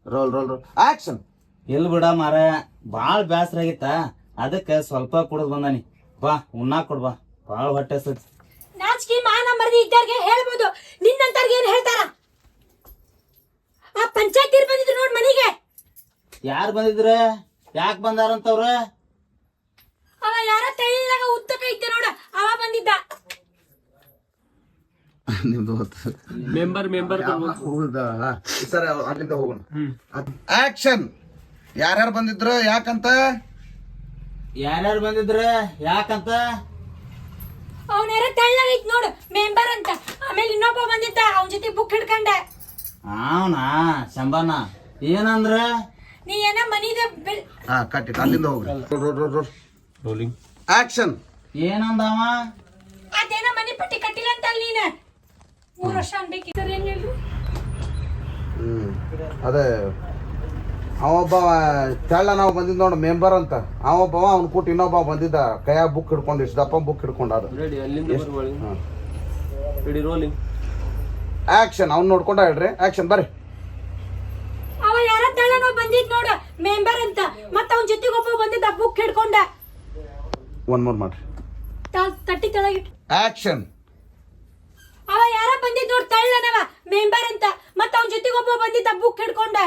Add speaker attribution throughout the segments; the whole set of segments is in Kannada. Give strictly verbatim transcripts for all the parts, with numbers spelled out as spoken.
Speaker 1: Roll roll roll action.
Speaker 2: ಎಲ್ ಬಿಡ ಮಾರ ಬಾಳ್ ಬ್ಯಾಸರ ಆಗಿತ್ತ, ಅದಕ್ಕೆ ಸ್ವಲ್ಪ ಕುಡಿದ್ ಬಂದಾನಿ. ಬಾ ಉಣ್ಣಾಕ್ ಕೊಡ್ ಬಾ, ಬಾಳ್ ಹೊಟ್ಟೆ ಸತ್.
Speaker 3: ನಾಚಿಕೆ ಮಾನ ಮರದಿ ಇದ್ದಾರ್ಗೆ ಹೇಳ್ಬೋದು, ನಿನ್ನಂತರ್ಗೆ ಏನ್ ಹೇಳ್ತಾರ? ಆ ಪಂಚಾಯತ್ ತೀರ್ ಬಂದಿದ್ರು ನೋಡ್ ಮನಿಗೆ.
Speaker 2: ಯಾರು ಬಂದಿದ್ರ? ಯಾಕೆ ಬಂದಾರಂತವ್ರ?
Speaker 3: ಅವ ಯಾರ ತೆಳ್ಳಗ ಉದ್ದಕ ಇದ್ದ ನೋಡ, ಅವ ಬಂದಿದ್ದ.
Speaker 1: ನಿಮ್ದು
Speaker 4: ಮೆಂಬರ್ ಮೆಂಬರ್
Speaker 1: ಸರ್ ಅಲ್ಲಿಂದ ಹೋಗೋಣ. ಆಕ್ಷನ್. ಯಾರ್ಯಾರು ಬಂದಿದ್ರು ಯಾಕಂತ?
Speaker 2: ಯಾರ್ಯಾರು ಬಂದಿದ್ರ ಯಾಕಂತ?
Speaker 3: ಅವನ ಯಾರ ತೆಳ್ಳಗ ಇದ್ ನೋಡು, ಮೆಂಬರ್ ಅಂತ. ಆಮೇಲೆ ಇನ್ನೊಬ್ಬ ಬಂದಿದ್ದ, ಅವನ ಜೊತೆ ಬುಕ್ ಹಿಡ್ಕಂಡ.
Speaker 2: ಅವನಾ ಶಂಬಾನ ಏನಂದ್ರ?
Speaker 3: ನೀ ಏನ ಮನಿದ
Speaker 1: ಹಾ ಕಟ್ಟಿಟ್ಟು ಅಲ್ಲಿಂದ ಹೋಗ್ರಿ.
Speaker 4: Rolling
Speaker 1: action.
Speaker 2: ಏನಂದವ?
Speaker 3: ಅದೇನ ಮನಿ ಪಟ್ಟಿ ಕಟ್ಟಿಲ್ಲ ಅಂತ ಅಲ್ಲಿ ನೀನ ಮೂರ್ ವರ್ಷ ಅನ್ಬೇಕಿದ್ರೆ ಏನ್ ಹೇಳು?
Speaker 1: ಹ್ಮ್ ಅದೇ ಅವೊಬ್ಬ ತೆಳ್ಳ ನಾವು ಬಂದಿದ್ ನೋಡು ಮೆಂಬರ್ ಅಂತ, ಅವೊಬ್ಬವ ಅವ್ನ ಕೂಟ ಇನ್ನೊಬ್ಬ ಬಂದಿದ್ದ, ಕೈಯಾಗ ಬುಕ್ ಹಿಡ್ಕೊಂಡು ಇಷ್ಟ ದಪ್ಪ ಬುಕ್ ಹಿಡ್ಕೊಂಡ. ಅದು
Speaker 4: ರೆಡಿ ಅಲ್ಲಿಂದ ಬರ್ಕೊಳ್ಳಿ. Ready rolling
Speaker 1: action. ಅವ್ನು ನೋಡ್ಕೊಂಡ ಹೇಳ್ರಿ. ಆಕ್ಷನ್ ಬರ್ರಿ.
Speaker 3: ಅವ ಯಾರ ತೆಳ್ಳನೋ ಬಂದಿದ್ ನೋಡು, ಮೆಂಬರ್ ಅಂತ. ಮತ್ತ ಅವನ ಜೊತೆಗೆ ಒಬ್ಬ ಬಂದಿದ್ದ, ಬುಕ್ ಹಿಡ್ಕೊಂಡ.
Speaker 1: ಒನ್ ಮೋರ್ ಮಾಡ್ರಿ.
Speaker 3: ತಟ್ಟಿ ತೆಳಗಿಟ್ಟು.
Speaker 1: ಆಕ್ಷನ್.
Speaker 3: ಅವ ಯಾರ ಬಂದಿದ್ ನೋಡ್ ತಳ್ಳನವ, ಮೆಂಬರ್ ಅಂತ. ಮತ್ತ ಅವನ ಜೊತೆಗೆ ಒಬ್ಬ ಬಂದಿದ್ದ, ಬುಕ್ ಹಿಡ್ಕೊಂಡ.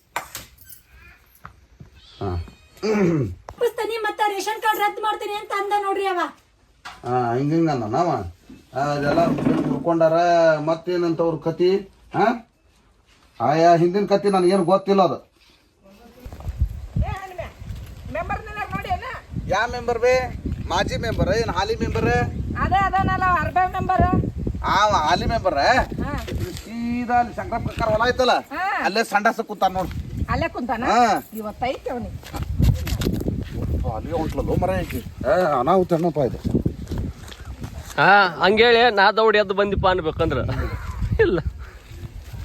Speaker 1: ಹಾ
Speaker 3: ಪುಸ್ತನಿ ಮತ್ತ ರೇಷನ್ ಕಾರ್ಡ್ ರದ್ದು ಮಾಡ್ತೀನಿ ಅಂತ ಅಂದ ನೋಡ್ರಿ ಅವ.
Speaker 1: ಹಾ ಹಿಂಗ ಹಿಂಗ ಅಂದ ನಾವ ಅದೆಲ್ಲ ಹುಡ್ಕೊಂಡಾರ. ಮತ್ತೇನಂತ ಅವ್ರ ಕತಿ? ಹಾ ಆಯಾ ಹಿಂದಿನ ಕತಿ ನನಗೇನು ಗೊತ್ತಿಲ್ಲ. ಅದು ಯಾ ಮೆಂಬರ್ ಬೇ? ಮಾಜಿ ಮೆಂಬರ್ ಏನ್ ಹಾಲಿ ಮೆಂಬರ್?
Speaker 5: ಅದೇ ಅದನಲ್ಲ ಅರ್ಬೆ ಮೆಂಬರ್.
Speaker 1: ಆ ಹಾಲಿ ಮೆಂಬರ್ ಸೀದಾ ಅಲ್ಲಿ ಶಂಕರ ಪ್ರಕಾರ ಹೊಲ ಐತಲ್ಲ, ಅಲ್ಲೇ ಸಂಡಾಸ ಕೂತಾನ ನೋಡು.
Speaker 5: ಅಲ್ಲೇ ಕುಂತಾನ
Speaker 1: ಹಾ
Speaker 5: ಇವತ್ತೈತಿ ಅವನಿಗೆ.
Speaker 1: ಅಲ್ಲಿ ಹೊಂಟ್ಲಲ್ಲ ಮರ ಐತಿ. ಅನಾಹುತ ಅನ್ನಪ್ಪ ಇದು.
Speaker 4: ಹಾ ಹಂಗೇಳಿ ನಾ ದೌಡಿ ಎದ್ದು ಬಂದಿಪ್ಪ ಅನ್ಬೇಕಂದ್ರ